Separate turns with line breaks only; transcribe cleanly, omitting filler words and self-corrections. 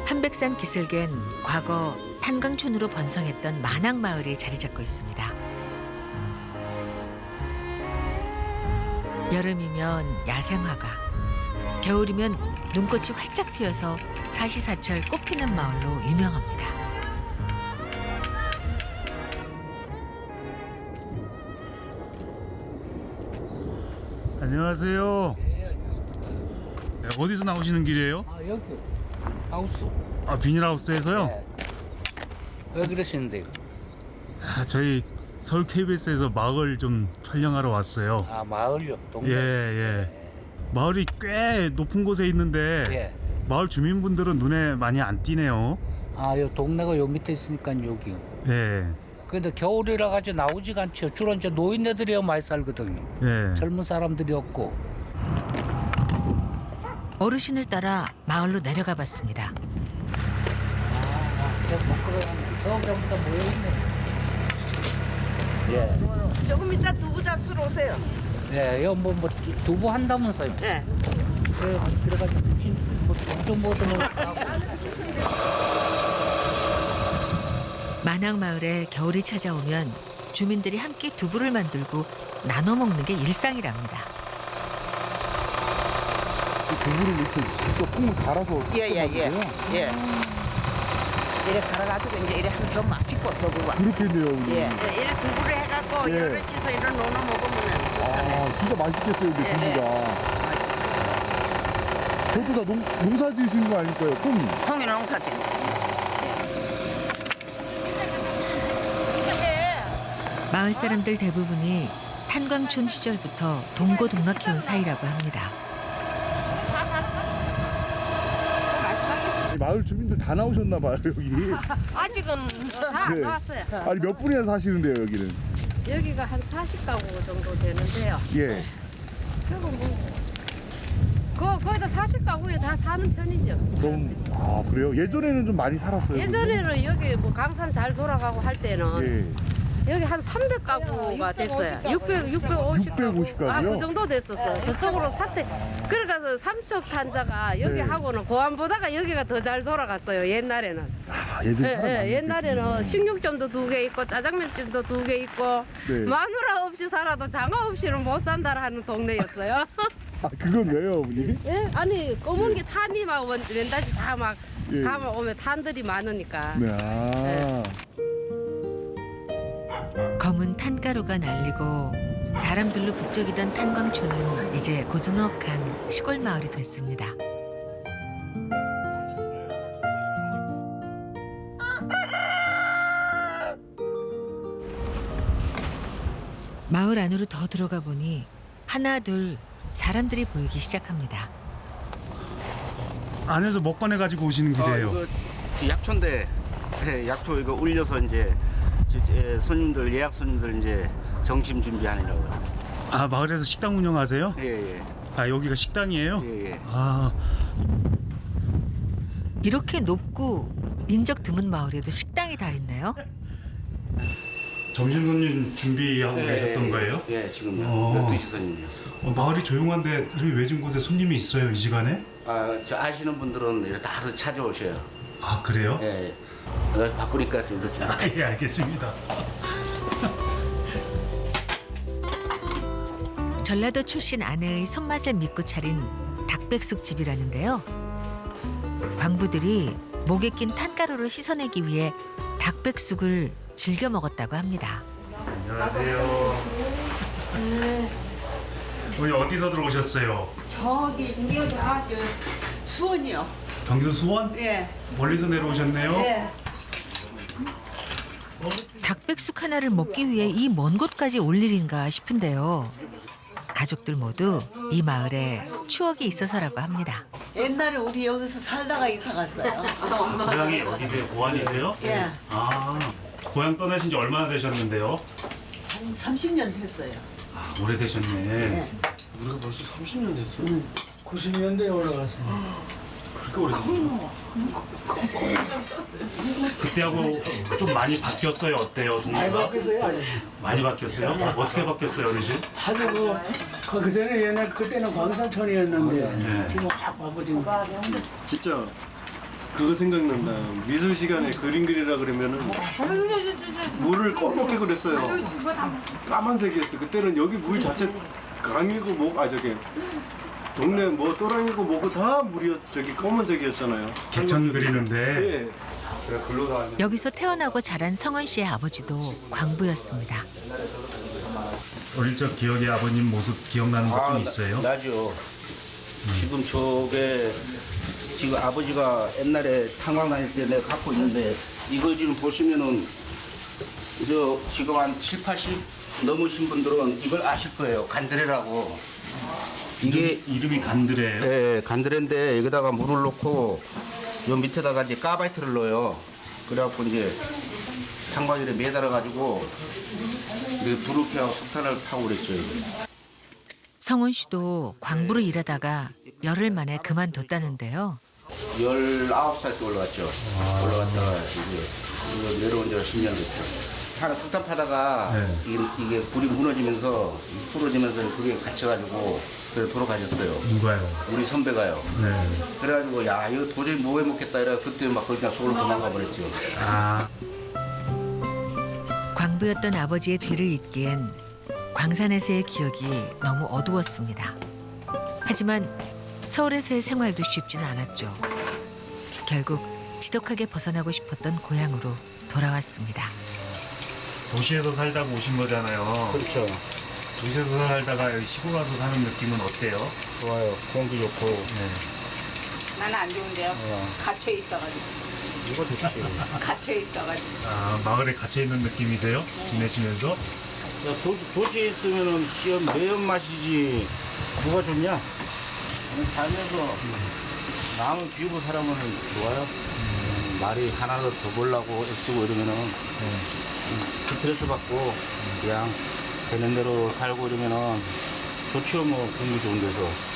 한백산 기슭엔 과거 탄광촌으로 번성했던 만학마을이 자리 잡고 있습니다. 여름이면 야생화가, 겨울이면 눈꽃이 활짝 피어서 사시사철 꽃피는 마을로 유명합니다.
안녕하세요. 네, 어디서 나오시는 길이에요?
아, 여기 하우스.
아, 비닐하우스에서요?
네. 왜 그러시는데요?
아, 저희 서울 KBS에서 마을 좀 촬영하러 왔어요.
아, 마을요? 동네?
예. 마을이 꽤 높은 곳에 있는데
예.
마을 주민분들은 눈에 많이 안 띄네요.
아, 요 동네가 요 밑에 있으니까 여기요.
예.
근데 겨울이라 가지고 나오지가 않죠. 주로 이제 노인네들이 많이 살거든요.
예.
젊은 사람들이 없고.
어르신을 따라 마을로 내려가 봤습니다.
저 저부터 모여있네. 예.
조금 이따 두부 잡수러 오세요.
예, 요 뭐 두부 한다면서요.
네.
그래, 그래가지고 좀 뭐든
만학마을에 겨울이 찾아오면 주민들이 함께 두부를 만들고 나눠 먹는 게 일상이랍니다.
두부를 이렇게 직접 콩을 갈아서
예.
요
이래 갈아가지고 이제 이래 하면 더 맛있고 두부가.
그렇겠네요, 우리.
예. 이래 두부를 해갖고
예.
여럿이서 이래 노눠 먹으면 좋잖아요.
아, 진짜 맛있겠어요, 근데
네,
두부가. 저도 다 농사 지으시는 거 아닐까요? 콩.
콩이 농사지.
마을 사람들 대부분이 탄광촌 시절부터 동고동락해온 사이라고 합니다.
마을 주민들 다 나오셨나 봐요, 여기.
아직은 다 안
네.
나왔어요.
아니, 몇 분이나 사시는데요, 여기는?
여기가 한 40가구 정도 되는데요.
예.
그리고 거의 다 40가구에 다 사는 편이죠.
그럼, 아, 그래요? 예전에는 좀 많이 살았어요.
예전에는 여기 뭐 강산 잘 돌아가고 할 때는
예.
여기 한 300가구가 됐어요. 650가구.
650가구요?
아, 그 정도 됐었어요. 저쪽으로 사태. 그러니까 삼척 탄자가 여기
네.
하고는 고안보다가 여기가 더 잘 돌아갔어요. 옛날에는.
아, 예전에 사람 많이
옛날에는 식육점도 2개 있고 짜장면집도 2개 있고
네.
마누라 없이 살아도 장어 없이는 못 산다 하는 동네였어요.
아, 그건 왜요, 어머니?
예? 아니 검은 게 탄이 막 왼다지 다 막
예.
가면 오면 탄들이 많으니까.
네, 아.
검은 탄가루가 날리고 사람들로 북적이던 탄광촌은 이제 고즈넉한 시골 마을이 됐습니다. 마을 안으로 더 들어가 보니 하나 둘 사람들이 보이기 시작합니다.
안에서 먹거내 가지고 오시는 길이에요.
이거 약초인데 약초 이거 울려서 이제 손님들 예약 손님들 이제 점심 준비하느라고.
아, 마을에서 식당 운영하세요?
예예.
아, 여기가 식당이에요?
예.
아,
이렇게 높고 인적 드문 마을에도 식당이 다 있네요.
점심 손님 준비하고 계셨던 거예요?
예, 지금
어.
12시 손님이요.
마을이 조용한데 이렇게 외진 곳에 손님이 있어요, 이 시간에?
저 아시는 분들은 이렇게 다 찾아오셔요.
아, 그래요?
예. 내가 바쁘니까 좀 이렇게.
예, 알겠습니다.
전라도 출신 아내의 손맛을 믿고 차린 닭백숙 집이라는데요. 광부들이 목에 낀 탄가루를 씻어내기 위해 닭백숙을 즐겨 먹었다고 합니다.
안녕하세요. 오늘 어디서 들어오셨어요?
저기 우리가 저 수원이요.
경기도 수원?
예.
멀리서 내려오셨네요.
예.
닭백숙 하나를 먹기 위해 이 먼 곳까지 올 일인가 싶은데요. 가족들 모두 이 마을에 추억이 있어서라고 합니다.
옛날에 우리 여기서 살다가 이사 갔어요.
고향이 어디세요? 고안이세요?
예.
아, 고향 떠나신 지 얼마나 되셨는데요?
한 30년 됐어요.
아, 오래되셨네.
우리가 벌써 30년 됐어. 90년대에 올라갔어. 그렇게 오래됐나?
그때하고 좀 많이 바뀌었어요. 어때요,
많이
동네가?
바뀌었어요, 아직.
많이 바뀌었어요? 어떻게 바뀌었어요, 어르신?
하도 그 전에 옛날 그때는 광산촌이었는데
네.
지금 확 바빠진 거.
진짜
그거 생각난다. 미술 시간에 그림 그리라 그러면은 물을 검게 그렸어요. 까만색이었어. 그때는 여기 물 자체 강이고 저기 동네 뭐 또랑이고 뭐고 다 물이 저기 검은색이었잖아요.
개천 그리는데
예. 그래 글로 다.
여기서 태어나고 자란 성원 씨의 아버지도 광부였습니다.
어릴 적 기억에 아버님 모습 기억나는 것 좀 있어요?
나죠. 지금 저게 지금 아버지가 옛날에 탄광 다닐 때 내가 갖고 있는데 이걸 지금 보시면은 저 지금 한 7, 80 넘으신 분들은 이걸 아실 거예요. 간드레라고. 이게
이름이 간드레예요?
예, 간드레인데 여기다가 물을 넣고 요 밑에다가 이제 가바이트를 넣어요. 그래갖고 이제 탄광일에 매달아 가지고 불을 켜고 석탄을 타고 그랬죠. 이게.
성원 씨도 광부로 일하다가 열흘 만에 그만뒀다는데요.
19살 때 올라갔죠. 올라갔다가 이제 내려온 지가 10년 됐죠. 산에 석탄 파다가
네.
이게 불이 무너지면서 부러지면서 그게 갇혀가지고 그래서 돌아가셨어요.
누가요?
우리 선배가요.
네.
그래가지고 야 이거 도저히 못 해먹겠다 이래 그때 막 그냥 서울로 도망가 버렸죠.
아,
광부였던 아버지의 뒤를 잇기엔 광산에서의 기억이 너무 어두웠습니다. 하지만 서울에서의 생활도 쉽진 않았죠. 결국 지독하게 벗어나고 싶었던 고향으로 돌아왔습니다.
도시에서 살다가 오신 거잖아요.
그렇죠.
도시에서 살다가 여기 시골 와서 사는 느낌은 어때요?
좋아요. 공기 좋고.
네.
나는 안 좋은데요. 갇혀 있어가지고.
이거 좋지.
갇혀 있어가지고.
아, 마을에 갇혀 있는 느낌이세요? 지내시면서?
야, 도시에 있으면은 시험 매운맛이지 뭐가 좋냐? 살면서 남을 비우고 살아보면 좋아요. 말이 하나도 더 보려고 애쓰고 이러면은 스트레스 받고 그냥 되는 대로 살고 이러면은 좋죠. 뭐 공부 좋은 데서.